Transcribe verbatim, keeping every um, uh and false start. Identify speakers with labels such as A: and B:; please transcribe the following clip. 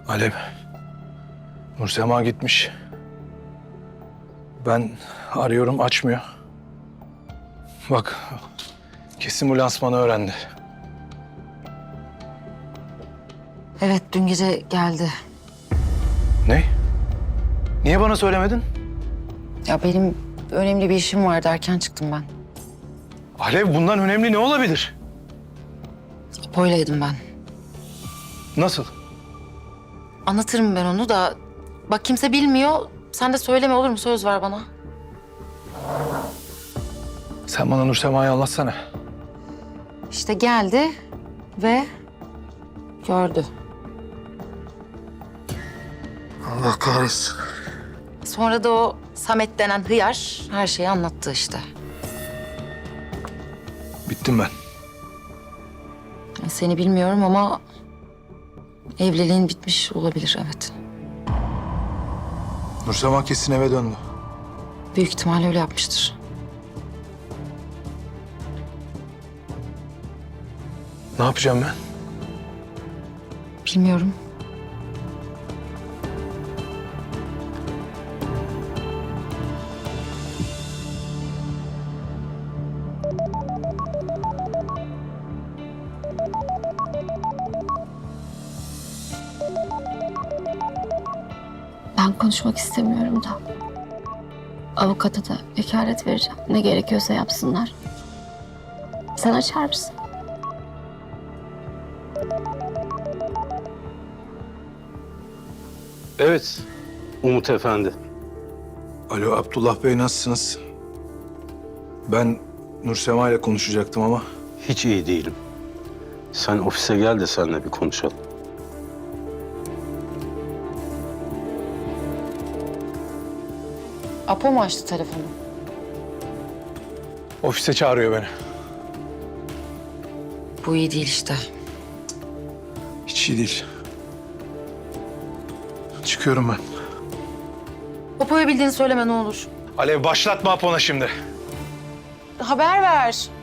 A: Alev, Nursema gitmiş. Ben arıyorum, açmıyor. Bak, kesin bu lansmanı öğrendi.
B: Evet, dün gece geldi.
A: Ne? Niye bana söylemedin?
B: Ya benim önemli bir işim vardı, erken çıktım ben.
A: Alev, bundan önemli ne olabilir?
B: Apo'ylaydım ben.
A: Nasıl?
B: Anlatırım ben onu da. Bak kimse bilmiyor. Sen de söyleme, olur mu? Söz ver bana.
A: Sen bana Nursema'yı anlatsana.
B: İşte geldi ve gördü.
A: Allah kahretsin.
B: Sonra da o Samet denen hıyar her şeyi anlattı işte.
A: Bittim ben.
B: Seni bilmiyorum ama evliliğin bitmiş olabilir, evet.
A: Nursema kesin eve döndü.
B: Büyük ihtimalle öyle yapmıştır.
A: Ne yapacağım ben?
B: Bilmiyorum.
C: Ben konuşmak istemiyorum da. Avukata da vekalet vereceğim. Ne gerekiyorsa yapsınlar. Sen açar mısın?
D: Evet, Umut Efendi.
A: Alo, Abdullah Bey, nasılsınız? Ben Nursema ile konuşacaktım ama...
D: Hiç iyi değilim. Sen ofise gel de seninle bir konuşalım.
B: Apo mu açtı telefonu?
A: Ofise çağırıyor beni.
B: Bu iyi değil işte.
A: Hiç iyi değil. Çıkıyorum ben.
B: Apo'ya bildiğini söyleme ne olur.
A: Alev, başlatma Apo'na şimdi.
B: Haber ver.